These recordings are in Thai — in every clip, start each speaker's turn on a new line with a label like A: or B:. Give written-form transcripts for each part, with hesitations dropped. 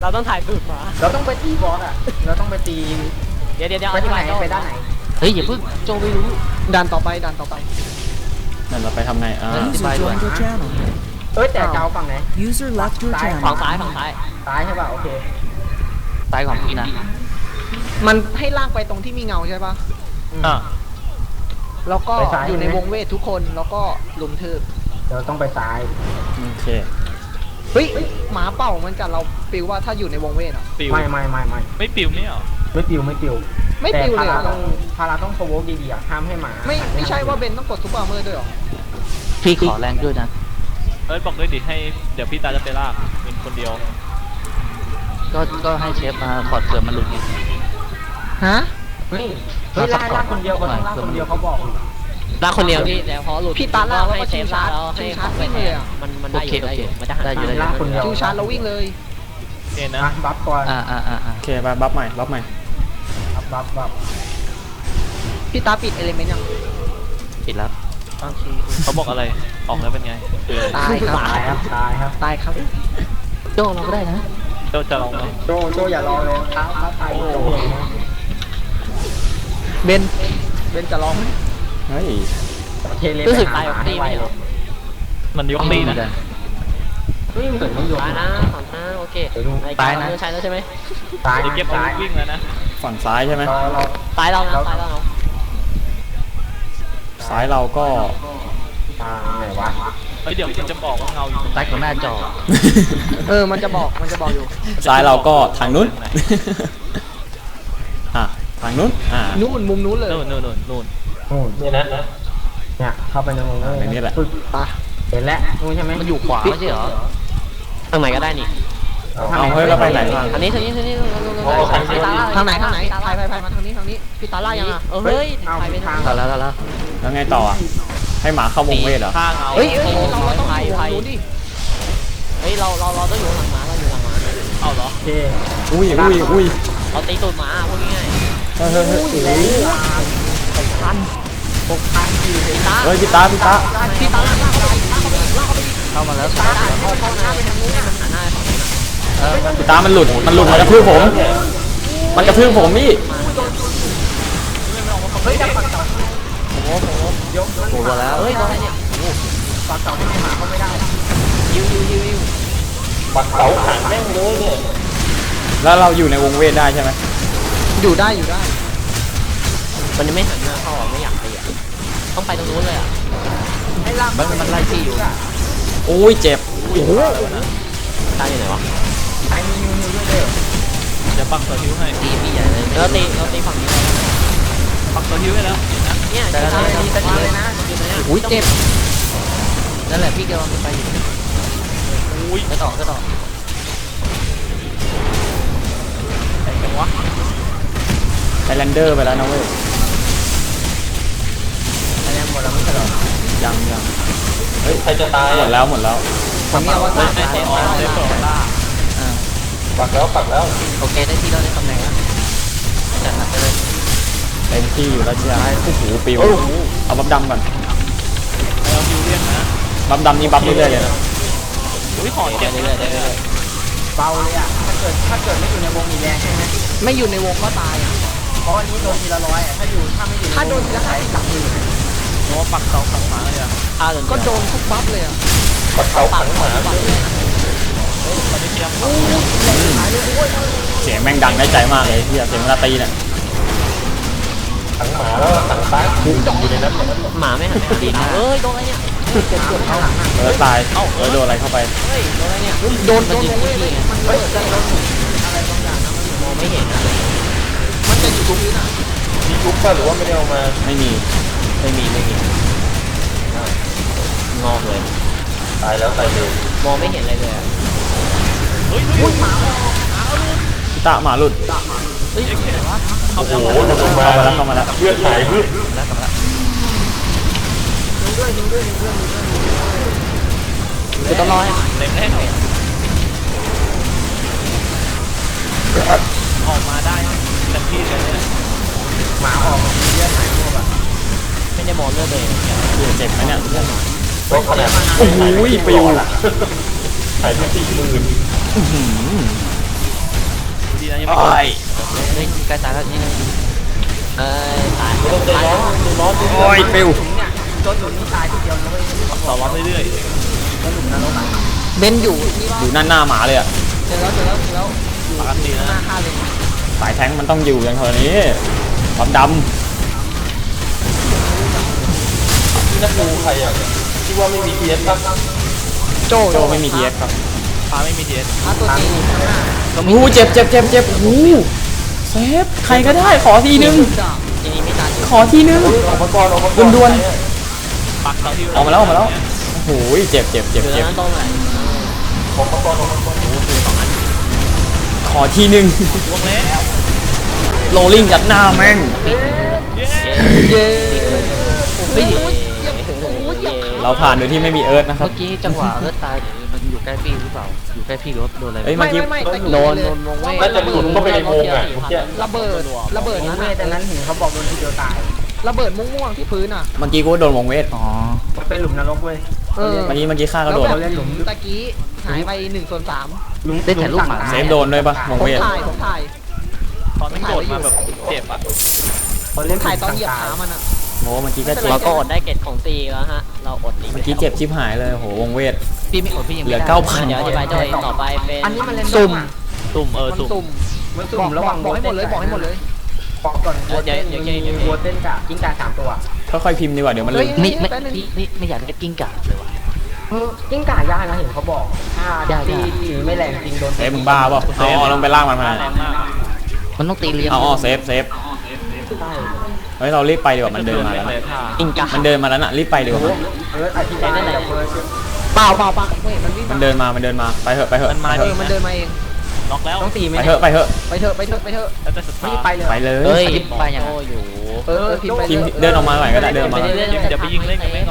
A: เราต้องถ่ายตูดหมา
B: เราต้องไปตีบอสอ่ะเราต้องไปตี
A: เดี๋ยว
B: ไปทางไหนไปด้านไหน
C: เฮ้ยอย่าเพิ่งโจไม่รู้
D: ดันต่อไป
E: นั่นเราไปทำไง
C: ไปด้วย
F: Joined your channel.
B: เอ้ยแต่เจ้าฝั่งไหน
F: User left your
A: ฝั่ง
F: channel.
A: ซ้ายฝั่งซ้าย
B: ซ้ายใช่ป่ะโอเค
C: ตายของพี่นะ
D: มันให้ลากไปตรงที่มีเงาใช่ปะ
E: อ่ะ
D: แล้วก็
B: ไปซ้าย
D: อยู่ในวงเวททุกคนแล้วก็ลุมทืบ
B: เราต้องไปซ้าย
E: โอเค
D: เฮ้ยหมาเป่ามันจะเราปิวว่าถ้าอยู่ในวงเวทอ่ะ
E: ปิว
B: ไม่
E: ไม่ปิวไม่เหรอ
B: ไม่ปิว
D: ไม่ปิวเลยเหรอ
B: แต่พาราต้องโปรโวกดีๆอ่ะห้ามให้หมา
D: ไม่ใช่ว่าเบนต้องกดซุปเปอร์เมอร์ด้วยหรอ
C: พี่ขอแรงด้วยนะ
E: บอกด้วยดิให้เดี๋ยวพี่ตาจะไปลากเป็นคนเดียว
C: ก็ให้เชฟมาขอดเกิดมันหลุดอีก
D: ฮะ
B: เฮ้ยลากคนเดียวเขาต้องลากคนเดียวเขาบอกอยู่
A: ลากคนเดียวพี่แล้วพอหลุด
D: พี่ตาล่าแล้ว
A: ให้
D: ก็
A: เซ
D: ชิ
A: ฟ
D: วชาร์จ
A: แล้ว
D: ชิ
A: ให้
D: วชาร์จ
A: ไป
D: วิ่ง
A: แท
D: เลย
A: น
D: อ่ะ
A: มันได้อยู่มันจะหัน
C: ได้อยู่
B: ลากคนเดียว
D: ชิวชาร์จแล้ววิ่งเลย
E: โอเคนะ
B: อ่ะบัฟก่อน
E: โอเคไปบัฟใหม่
B: บัฟ
D: พี่ตาปิดเอลิเมนต์ยัง
C: ปิดแล้ว
D: โอเค
E: เขาบอกอะไรออกแล้วเป็นไงคือ
D: ตายครับ
B: ตายครับตายครับ
D: ตายครับ
C: โจเราก็ได้นะ
E: เจ้าจะลองไหม
B: โจอย่ารอเลยครับตายโจ
D: เบนจะร้องไหม
E: เฮ้ย
B: เทเล
A: รู้สึก
B: ไป
A: ตายออกตีไม่หรอ
E: มันยกตีนะ
B: เฮ้ยเหมือนมันโยน
A: ตายนะฝั่งหน้าโอเค
C: ตายนะ
A: ใช่แล้วใช่ไหม
B: ตาย
E: เดี๋ยวเก็บอาวุธวิ่งแล้วนะฝั่งซ้ายใช่ไหม
B: เรา
A: ตายเรานะตายเรา
E: ซ้ายเราก็
B: ไหนวะ
E: เฮ้ยเดี๋ยวจะบอกว่าเงาอยู่ตรง
C: ตายของหน้าจอ
D: มันจะบอกอยู่
E: ซ้ายเราก็ทางนู้นอ่ะทางนู้น
D: นู้นมุมนู้นเลย
E: นู่น
B: นี่นะเนี่ยเข้าไปในวง
E: ในนี้แหละ
D: ปะ
B: เห็นแล้วนู้นใช่ไหม
C: มันอยู่ขวาไม่ใช่เหรอ
A: ทางไหนก็ได้นี่
E: เอาเฮ้ยเราไปไหนบ้าง
A: อันนี้ทางนี้
D: ทางไหนถ่ายมาทางนี้
A: พี่ตาล่ายังอ่ะเฮ้ยถ่ายไปทาง
C: แล้ว
E: แล้วไงต่ออ่ะให้หมาเข้าวงเวทเหรอ
D: เฮ้ยเราต้องอยู่นู้นดิ
A: เฮ้ยเราต้องอยู่หลังหมาเราอยู่หลังหมา
E: เอาเหรอ
B: โอเค
E: อุ้ย
A: เราตีตูดหมาพูดง่าย
E: เฮ้ย
A: พี่ตา
E: เฮ้ยพี่ตา
A: พี่ตาล่าเข้าไป
C: เข้ามาแล้ว
A: เข้าหน้าไปทางนู้นให้มันหันหน้าฝั่งนู้น
E: พี่ตามันหลุดมันกระทืบผมพี่
C: โอ้โหแล้ว
A: เฮ้ยอะไรเนี่ย
B: ปากเสาไม่ให้หมาเขาไม่ได้
A: ยิว
E: แล้วเราอยู่ในวงเวทได้ใช่ไหม
D: อยู่ได้
A: มันยังไม่หันหน้าเข้าไม่อยากตีอ่ะต้องไปตรงนู้นเลยอ่ะ
C: มันไล่พี่อยู่
E: โอ้ยเจ็บโอ้โห
A: ตายอยู่ไหนวะ
B: ไอ้นิวด้วยเลย
E: เดี๋ยวปักตัวฮิวให้
C: ตีพี่ใหญ่เลย
A: เราตีฝั่งนี้
E: ปักตัวฮิวให้แล้ว
A: เนี่ย
C: แต่ละ
B: ดีเลยนะ
D: อุ้ยเจ็บ
C: นั่นแหละพี่กำลังไปอยู่
E: อุ้ย
C: ก็ต่อ
E: ไทแลนเดอร์ไปแล้วนะเว้ย
B: อันนี้หมดแล้วไม่ใช่เหรอ
E: ยังเฮ้ยใครจะตายหมดแล้ว
D: ฝั่งนี้ว่า
A: ไม่เตะออกเลย
C: ปักแล้วโอเคได้ที่เราได้ตำแหน่งแล้วจัดหนักไปเลย
E: เต็มที่อยู่แล้วเชียร์โอ้โหปิวเอาบัฟดำก่อนเอาฮิวเรียกนะบัฟดำนี่บัฟเรื่อยๆเลยนะอุ้ยหอดเจ็บ
C: เรื่อย
B: เบาเลยอ่ะถ้าเกิดไม่อยู่ในวงมีแรงใช่ไหม
D: ไม่อยู่ในวงก็ตายอ่ะ
B: เพราะอันนี้โดนทีละร้อยอ่ะถ้าไม่อยู่
D: ถ้าโดนจะให้ตัดมือ
E: โอ้ปักเสาขังหมาเลยอ่ะ
D: ก็โดนทุกบัฟเลยอ่ะ
A: ปากหมา
E: ตอนนี้เทียมเสียงแม่งดังได้ใจมากเลยเฮียเสียงเวลาตีเนี่ย
A: หมาไม่หันไปดีเอ้ยโดนอะไรเนี่ย
E: ตายโดนอะไรเข้าไป
A: เฮ้ยโดนอะไรเนี่ย
D: โดนวงเวทเลยมันเปิดจะโดน
A: มองไม่เห็นอะ
D: มันจะอยู่ตรงนี้น่ะ
E: ไม่มี
A: งอกเลยตายแล้วมองไม่เห็นอะไรเลยอะ
E: พี่ตาหมาหลุด
A: เฮ้ยอะไรวะ
E: โอ้โหเข้ามาแล้ว
C: ๆแล้วกลับแล้ว
A: คือต้องรอให้
E: เต็มแน่นอนออกมาได้เต็มที่เลยเนี่ย
B: หมาออกเลือดหายหมดอ่ะ
A: ไม่ได้มองเลือดเลย
E: เจ็บไหมเนี่ย
B: โอ้โห
E: โอ้โหปิว
B: หายไป40,000
C: นะยังไม่
E: โอ้ย
C: เฮ้ยใกล้ตายแล้วนี่
A: ตาย
B: ต้องใจร้อนร้อน
E: โอ้ยปิว
B: เนี่ยโดนหนุนนี่ตายทีเดียวนะเว้ย
C: ต่อร้อนเรื่อย
B: แล้วหนุนนรกอ่ะ
D: เบนอยู่นี่ว่า
E: อยู่หน้าหมาเลยอะ
D: เจอแล้วอยู่
C: ๆปกติ
D: หน้า
C: นะ
D: ค่าเลย
E: สายแทงค์มันต้องอยู่อย่างเท่านี้ความด
B: ที่นักดูใครอ่ะที่ว่าไม่มีเพียสป่ะ
D: โจ
E: ำโจไม่มีทีเอสครับ
C: ฟ้าไม่มีเทียน
D: ตัวจริงข้างหน้า
E: โอ้โหเจ็บโอ้โหเซฟใครก็ได้ขอทีนึง
A: ทีนี้ไม่ตาย
E: ขอทีนึง
B: ออกมาก่อนออกมาก่อน
E: ด่วน
C: ปักเสาที่
E: ออกมาแล้วโอ้โหเจ็บ
A: อยู่นั้นตรงไหน
B: ออกมาก่อนออกมาก่อน
E: ขอทีนึง
C: ล่วงแล้ว
E: โรลลิ่งยัดหน้าแม่ง
D: เย้
C: เฮ้ย
E: เราผ่านโดยที่ไม่มีเอิร์ธนะครับ
C: เมื่อกี้จังหวะเลือดตายมันอยู่ใกล้พี่หรือเปล่าอยู่ใกล้พี่หรือว่าโดนอะไร
E: เอ้ยเมื่อกี้
D: ไม่ตะกี้
A: โดน
D: เลย
A: วงเวท
B: น่าจะหลุดเข้าไปในวงอ่ะเมื่อกี้
D: ระเบิด
B: นั่
D: นั้น น
B: แต่นั้นเห็นเขาบอกโดนทีเดียวตาย
D: ระเบิดม่วงๆที่พื้นอ่ะ
E: เมื่อกี้กูโดนวงเวท
C: อ๋อ
B: เป็นหลุมนรกเว้ย
D: เออ
E: เมื่อกี้ข้าก็
D: แล้ว
E: โดน
D: แบบตะกี้หายไป1/3
B: หลุม
C: ได้ถ่ายรูปหมา
E: เซฟโดนด้วยปะวง
D: ผม
E: เวท
D: ถ่าย
C: ตอนไม่โดดมาแบบเจ็บอ่ะ
B: เขาเล่น
D: ถ่ายตอนเหยียบขามันอ่ะ
E: โอ้เมื่อกี้ก็เจ็
A: เรา
E: บ
A: ก็อดได้เกตของตีแล้วฮะเราอดอีก
E: เมื่อกี้เจ็บชิบหายเลยโหวงเวท
C: พี่ไม่อดพี่ยัง
E: เหลื
C: ไม่
E: อ
C: ได้
E: 9,000
A: เดี๋ยวอธิบายตัวเองต่อไปเป็น
B: อันนี้มันเล่น
D: สุ่ม
C: ตุ่ม
D: มัน
C: ตุ่ม
D: สุ่ม
B: มันสุ่มระหว่าง
D: บอกให้หมดเลยบอกให้หมดเลย
B: บอกก่อนวัวเต้นวัวเต้นกับกิ้งก่า3ตัว
E: ค่อยๆพิมพ์ดีกว่าเดี๋ยวมันลืม
C: ไม่อยากได้กิ้งก่าเลยว่ะ
B: กิ้งก่ายากนะเห็นเขาบอกถ้าตีไม่แรงจริงโดน
E: เซฟมึงบ้าเปล่าเอาลงไปล่างมันมา
C: แรงมากมันต้องตีเลี้ยง
E: เอาเซฟ
B: ใช่
E: เฮ้ยเรารีบไปดีกว่ามันเดินมาแล้วนะ
A: อิงกะ
E: มันเดินมาแล้วน่ะรีบไปดีกว่า
B: อธิบายกับเพื่อน
D: เปล่าไม่เห็นมันวิ่ง
E: มันเดินมาไปเถอะ
C: มันมา
D: มันเดินมาเอง
C: ล็อกแล้ว
B: ต้องตีไหม
E: ไปเถอะ
D: ไปเถอะ
C: แล้วแต่สุด
B: ไม่
C: ท้าย
B: ไปเลย
E: ไปเลย
C: เฮ้ย
A: ไปอย่างอยู่
D: พิมพ์ไป
E: พิมพ์เดินออกมาหน่อยก็ได้เดินออกมา
C: เดี๋ยวไปยิงเล่นกันไปก่อน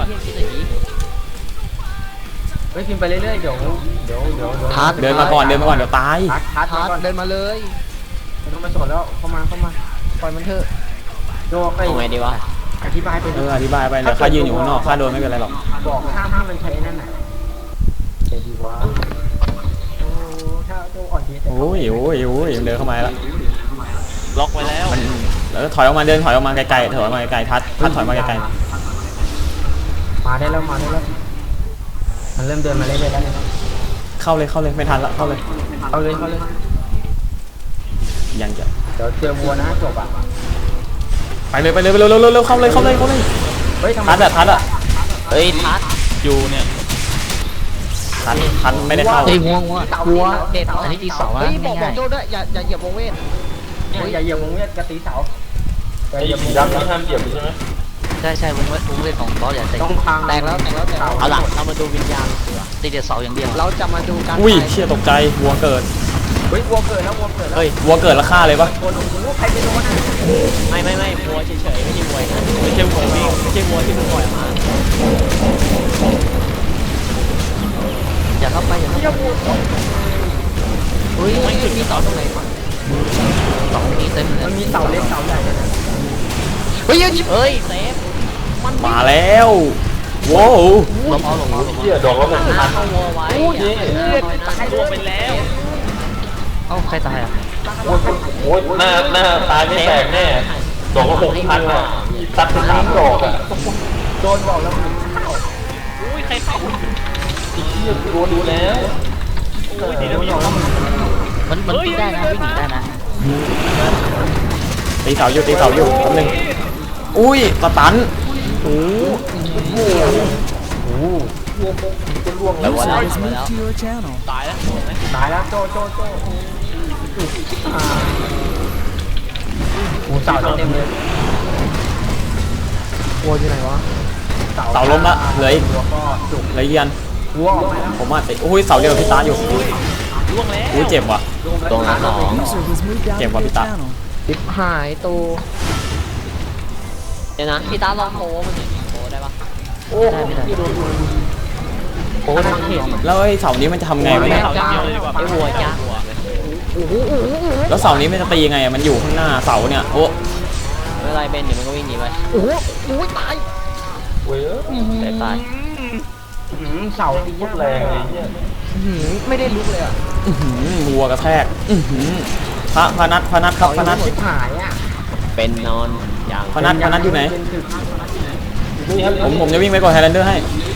B: เฮ้ยพิมพ์ไปเรื่อยๆเดี๋ยว
E: เดินมาก่อนเดี๋ยวตาย
B: ทัด
D: ทัด
B: ก่อน
D: เดินมาเลย
B: ต้องมาสอนแล้วเข้ามา
D: ปล่อยมันเถอะ
B: โยกไป
A: เอาไงดีวะ
B: อธิบายไป
E: อธิบายไปเดี๋ยวข้ายืนอยู่ข้างนอกข้าโดนไม่เป็นไรหรอก
B: บอกห้ามมันใช้นั่นน่ะใจดีวะโอ้ถ้าโจอ่อนดีแต่
E: โอ้ยเดินเข้ามาแล้ว
C: ล็อกไว้แล้ว
E: มันแล้วถอยออกมาเดินถอยออกมาไกลๆถอยออกมาไกลๆทัดถอยมาไกล
B: มาได้แล้วมันเริ่มเดินมาเรื่อยๆแล้ว
E: ๆเข้าเลยไม่ทันละเข้าเลย
B: เอาเลย
E: ยังจะ
B: เดี๋ยวเจอวัวนะจบอ่ะ
E: ไปเลยเร็วเข้าเลย
B: เฮ้ยทำไม
E: ทัดอะ
A: เฮ้ยทัด
C: อยู่เนี่ย
E: ทัดไม่ได้เข้า
C: เฮ้ยวัวเด็ดอันนี้ตีเสาอะ
D: เฮ้ยบอก
C: ง่าย
D: โจ้ด้วยอย่าเหยียบวงเวท
B: อย่าเหยียบวงเวียนกระตีเสา
F: ไอ้สีดำนี่ห้ามเหยียบใช่ไหม
C: ใช่วงเล่นของบอสอย่า
B: ต้องพัง
D: แตกแล้ว
A: เอาล่ะเรามาดูวิญญาณดีกว่า
C: ตีเด็ดเสาอย่างเดียว
D: เราจะมาดูการ
E: อุ้ยเชี่ยตกใจวัวเกิด
B: เฮ้ยวัวเกิดแล้ว
E: เฮ้ยวัวเกิดแล้วฆ่าเลยปะ
B: วัวลงวัวใครไปโดนอ่ะ
A: ไม่วัวเฉยๆไม่ใช่วัวนะไม่ใช่วัววิ่งไม่ใช่วัวที่มึงปล่อยมา
C: อย่าเข้าไปเฮ้ยไม่มีเสาตรงไหนวะเสานี้เต็มเลย
B: มันมีเสาเล็กเสาใหญ่นะ
D: เฮ้ย
A: เฮ้ยเซฟ
E: มาแล้วว้าว
C: ลงเอา
F: เหี้ยดอกแล้วมัน
A: หน้าเข้าวัวไว้ตาย
C: ล่วงไปแล้วเอ้าใครตายอ่ะ
F: โอ้ยหน้าตายไม่แตกแน่ดอกละ6,000อ่ะตัดไป3 ดอกอ่ะ
B: โดนบอกแล้วมัน
C: อุ้ยใครเข้า
F: เหี้ยโดนดูแล้ว
C: อุ้ยตีแล้วมันวิ่งได้นะวิ่งหนีได้นะ
E: ตีเสาอยู่แป๊บนึงอุ้ยสตันโอ้
A: ไปวัวแล้ว
C: ตายแล้ว
B: ตายแล้วโจโอ้เสาเต็มเลย
D: วัวอยู่ไหนวะ
E: เสาล้มละเหลืออีก
B: วัวก็จุก
E: เหลืออีกยัน
B: วัวออกมาแล้ว
E: ผมว่าติอุ้ยเสาเดียวกับพี่ตาอยู่
C: ล่วงแล้ว
E: อุ้ยเจ็บว่ะ
A: ตรงละสอง
E: เจ็บว่ะพี่ตา
D: ดิบหายตัว
A: เดี๋ยวนะพี่ตาลองโผล่มันหน่อยโผล่ได้ปะ
B: โอ้ที่โดนโอ้ทางเห็น
E: แล้วไอ้เสานี้มันจะทำไงวะเนี่ย
C: เสาอย่างเดียวเลยดีกว่า
A: ไอ้วัวจ้า
E: แล้วเสานี้มันจะตียังไงอะมันอยู่ข้างหน้าเสาเนี่ยโอ้
A: ไม่เป็นไรเบนเดี๋ยวมันก็วิ่งหนีไป
D: โอ้โหตาย
F: เว้ย
A: ตาย
B: เสาตี
F: โคตรแรงเลยเนี่ย
D: ไม่ได้ลุกเลยอ่ะ
E: วัวกระแทกพนัทครับพนัท
B: ชิบหายอ่ะ
A: เป็นนอนอย่าง
E: พนัทอยู่ไหน
F: นี่ครับ
E: ผมจะวิ่งไปก่อนไฮแลนเดอร์ให้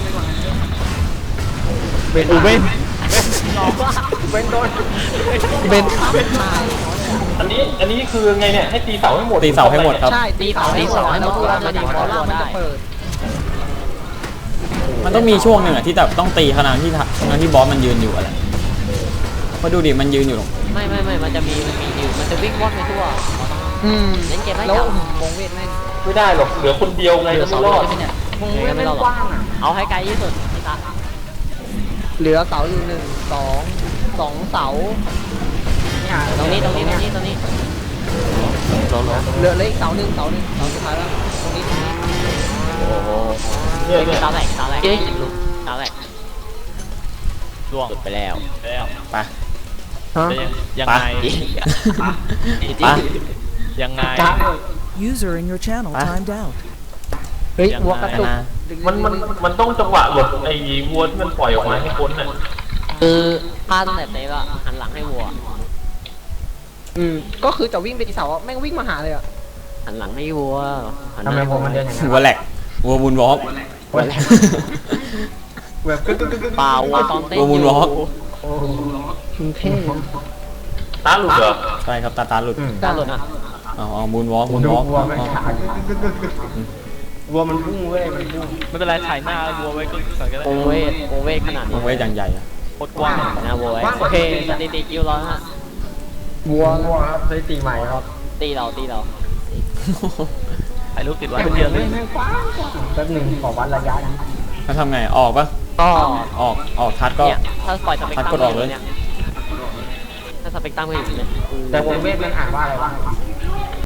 B: เป็นอูเบนเป็นโดนเป็น
F: อันนี้คือไงเนี่ยให้ตีเสาให้หมด
E: ตีเสาให้หมดครับ
D: ใช่ตีเสาให้หมดแล้วตัวมันจะมันจะเปิด
E: มันต้องมีช่วงหนึ่งอะที่แบบต้องตีขนาดที่บอสมันยืนอยู่อะไรมาดูดิมันยืนอยู่ตรง
A: ไม่มันจะมีอยู่มันจะวิ่งว่อนไปทั่ว เล่นเกมได้
D: แล้ว
A: จับ
D: วงเวทแม่ง
F: ไม่ได้หรอกเหลือคนเดียวไงจะไม่รอด
D: วงเวทแม่งกว้างอ่ะ
A: เอาให้ไกลที่สุดพี่ตา
D: เหลือเสาอยู่1 2 2 เสา
A: ตรงนี้ลง
D: เหลืออีกเสาหนึ่งเสาสุดท้ายแล้วตรงนี้
A: โอ้โห
F: เนี่ย
A: ตาแหลกตาแหลกล่วงไปแล้ว
E: ไป
C: ยัง
E: ไป
C: ไง
E: ไป
C: ยังไง
G: User in your channel
E: Ah.
G: timed out.
D: เฮ้ยวัวกระตุก
F: มันต้องจังหวะหลบไอ้วัวที่มันปล่อยออกมาให้พ้นน่ะ
A: คือพลาดตั้งแต่เตะอะหันหลังให้วัว
D: ก็คือจะวิ่งไปที่เสาแม่งวิ่งมาหาเลยอ่ะ
A: หันหลังให้วัวหันห
B: ทำ
A: น้า
B: ไม
A: ให้
B: ผมมันเดินอย่างนั้น
E: วัวแหลกวัวบุญวอล์ก
B: แบบกึ๊ก
A: เปล่าวัวตอนเต้น
E: วัวมูลวอล์ก
B: โอ้
D: เท่
F: ตาหลุดเหรอ
E: ใช่ครับตาหลุด
A: ตาหลุดอ่ะ
E: เอามูลวอล์ก
B: ดูวัวไม่ขาดวัวมันพุ่งเว้ยมันพุ่ง
C: ไม่เป็นไรถ่ายหน้าวัวไว้ก็สั่งก็ได้
A: โอเวทขนาด
E: มั
A: นี้
E: นไว้อย่างใหญ่อะ
C: โคตรกว้าง
A: นะวัวโอเคสถิติคิวร้อยฮะ
B: วัวครับสถิติใหม่ครับ
A: ตีเรา
C: ถ่ายรูปติดไว้เป็นเดือนเลย
B: แม่งกว้างแป๊บหนึ่งขอวัดระยะนี้
E: แล้วทำไงออกปะ
A: ก็
E: ออกทัดก็
A: เนี่ยถ้าปล่อยสเปกตรัม
E: กดออกเลย
A: เนี่ยถ้าสเปกตรัมไม่อยู่เนี่ย
B: แต่วงเวทมันอ่านว่าอะไรวะ